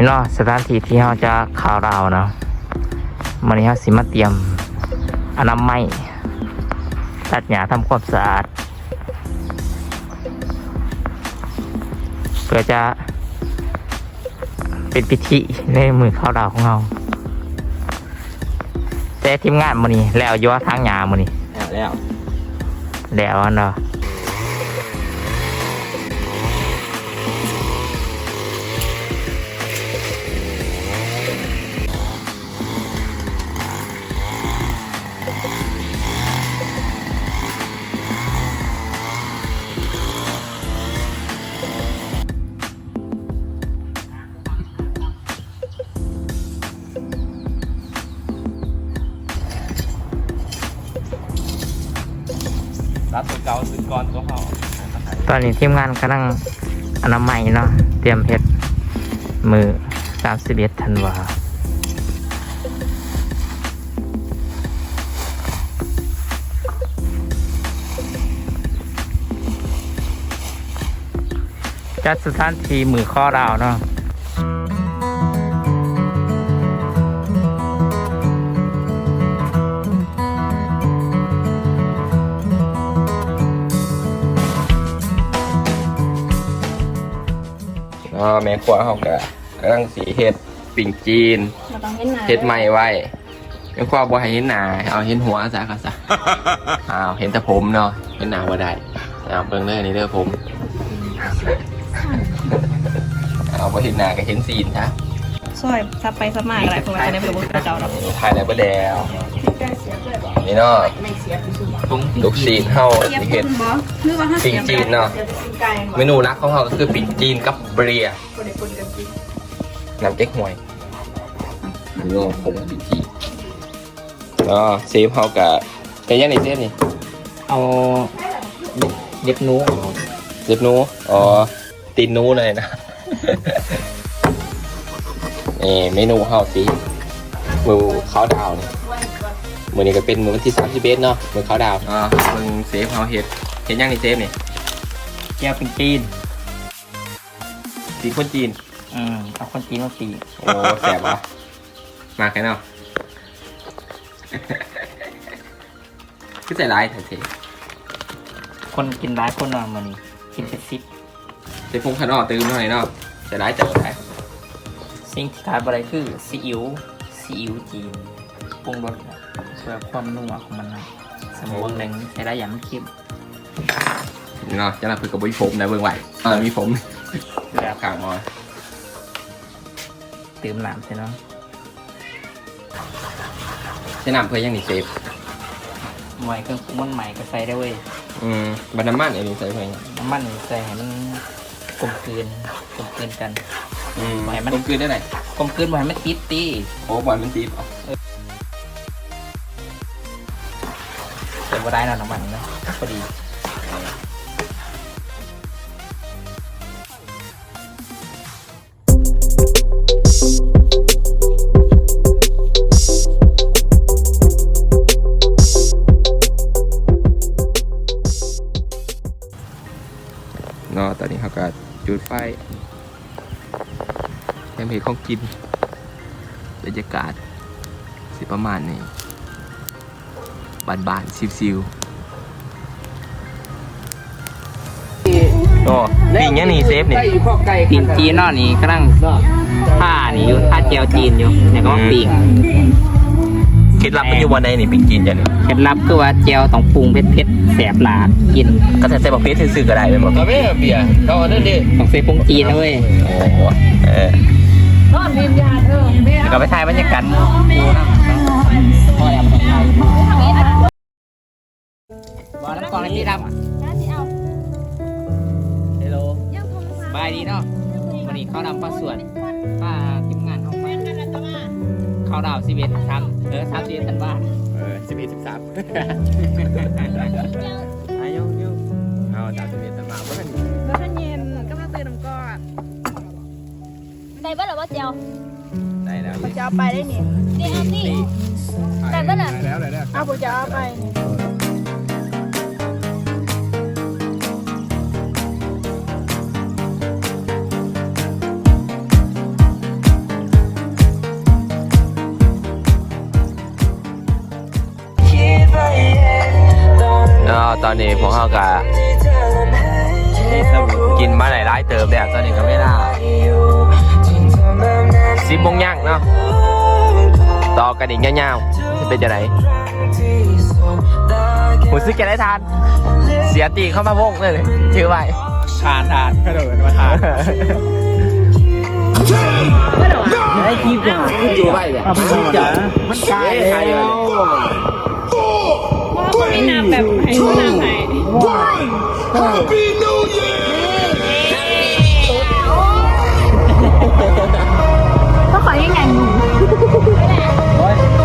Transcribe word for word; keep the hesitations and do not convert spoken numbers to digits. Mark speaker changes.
Speaker 1: เนาะสถานที่ที่เราจะข่าวราวเนาะมันนี้เราสิมาเตรียมอนามัยตัดหญ้าทำความสะอาดเพื่อจะเป็นพิธีในมือข่าวราวของเราแต่ทีมงานมันนี้แล้วย่อทางหญ้ามันนี้
Speaker 2: แล้ว
Speaker 1: แล้วเนาะ
Speaker 2: รับตัวเก่าซื้อก้อนตัวเขา
Speaker 1: ตอนนี้ทีมงานกำลังอนามัยเนาะเตรียมเพชรมือสามสิบเอ็ดธันวาจัดสถานที่มือข้อดาวเนาะ
Speaker 2: อ๋อแม่ขวาเขากะกำลังสีเห็ดปิ่งจีนเห็ดใหม่ไว้แม่ขวาบ่ให้เห็นหน้าเอาเห็นหัวซะก็ซะอ้าวเห็นแต่ผมเนาะเห็นหน้าบ่ได้เอาเบิ่งเด้อนี่เด้อผมเอาบ่เห็นหน้าก็เห็นซีนนะ
Speaker 3: ซอยซับไปซับมาอะไรพวกนั้นในบริบทเจ้าเรา
Speaker 2: ถ่ายแล้วบ่แล้วนี่เนาะลูกซีนเฮาเห็ดปิ่งจีนเนาะเมนูรักของเขาก็คือปิ่งจีนกับเบรียน้ำเก๊กฮวยนี่เนาะผมปิ่งจีนเนาะเซฟเขากับแกยังนี่เซฟนี่
Speaker 1: เอาเด็บนู
Speaker 2: เด็บนูอ๋อตีนนูเลยนะนี่เมนูเขาสิมือข้าวดาวนี่มือนี้ก็เป็นมือวันที่สามสิบเอ็ดเนาะมือข้าวดาวอ๋อมึงเซฟเขาเห็ดเห็ดยังนี่เซฟนี่
Speaker 1: แก้วเป็นจีน
Speaker 2: จีนคนจีน
Speaker 1: อืมเอาคนจีนมาตี
Speaker 2: โอ้แสบวะมาแค่เนาะก็ใส่ร้ายถ่ายเท
Speaker 1: คนกินร้ายคนนอนมันนี่กินเป็นซิป
Speaker 2: ใส่พุงขนอตื่นหน่อยเนาะใส่ร้ายจับได้
Speaker 1: สิ่งที่ขาดอะไรคือซีอิ๊วซีอิ๊วจีนปรุงรสเพื่อความนุ่มของมันนะสมมติแรงใช้ได้อย่างเข้ม
Speaker 2: เนาะจะรับคือกับวิผมนะเบื้องไหวเออมีผมแล้วข่างมอ
Speaker 1: เติมน้ำใช่เนาะ
Speaker 2: ใช้น้ำเพื่อยังนี่เซฟ
Speaker 1: ใหม่เครื่องปรุงมันใหม่ก็ใส่ได้เว้ย
Speaker 2: อืมบรรน้ำมันอันนี้ใส่เพื่อ
Speaker 1: น้ำมันใส่ให้มันกลมกลืนกลมกลืนกัน
Speaker 2: อืมมันกลมกลืนได้ไหน
Speaker 1: กลมกลืนบ่ให้มันติดตี
Speaker 2: โอ้บ่ให้มันติดอ๋อ
Speaker 1: ใส่บ่ได้นะน้ำมันนะพอดี
Speaker 2: เนาะตอนนี้เขาก็จุดไฟแคมเปญของกินบรรยากาศสิประมาณนี้บานๆซิวๆโอ้ปิ่งยังนี่เซฟนี่
Speaker 1: ปิ่งจีนเนาะนี่กำลังผ้านี่อยู่ผ้าเจียวจีนอยู่เนี่ยก็ปิ่ง
Speaker 2: เคล็ดลับมันอยู่วันไหนนี่ปิ่งจีนจ้ะนี่
Speaker 1: เคล็ดลับคือว่าเจียวต้องปรุงเผ็ดๆแสบหลาดกิน
Speaker 2: ก็ใส่ใส่บะเพ็ดซื่อๆก็ได้เลยหมดไม่เบียร์เขาเอาเรื่องนี้
Speaker 1: ต้องใส่ปรุงจีนนะเว้ย
Speaker 2: โอ้โหเออก็ไปถ่ายบรรยากาศ
Speaker 1: บอลน้ำกองในที่ดำอ่ะเฮลโลบายดีเนาะวันนี้เขาดำป้าส่วนป้าทีมงานเขาไปเขาดาวสิบเอ็ดทำเออสามสิบเอ็ดทันว่า
Speaker 2: เออสิบเอ็ดสิบสามอายุยุเอาดาวสิบเอ็ดทันว่าเมื่อวัน
Speaker 3: เมื่อวันเย็นก็มาซื้อน้ำก้อน
Speaker 4: ได้บ้างหรือว่าเจียว
Speaker 2: ได้แล้ว
Speaker 3: จะเอาไปได้นี่
Speaker 4: เดี๋ยวสิได้บ้างอ่ะ
Speaker 2: ได้แล้วได้แล้ว
Speaker 3: เอาผมจะเอาไป
Speaker 2: นาะตอนนี้พวกเขาก็กินมาหลายๆเติมแล้วตอนนี้ก็ไม่ได้สิบโมงย่างเนาะต่อกันอีกยาวๆจะเป็นจะไหนหูซึกจะได้ทานเสียตีเข้ามาวงเลยถือไว้
Speaker 1: ทานทานกระโดดมาทานไอ้คีบเนี่ยอยู่ไว้แบบมันกลายแล้ว
Speaker 3: ว่าไม่นับแบบให้ผู้นำให้
Speaker 5: Happy New Year
Speaker 4: ก็ขอให้ไงมึง
Speaker 1: โอ้ย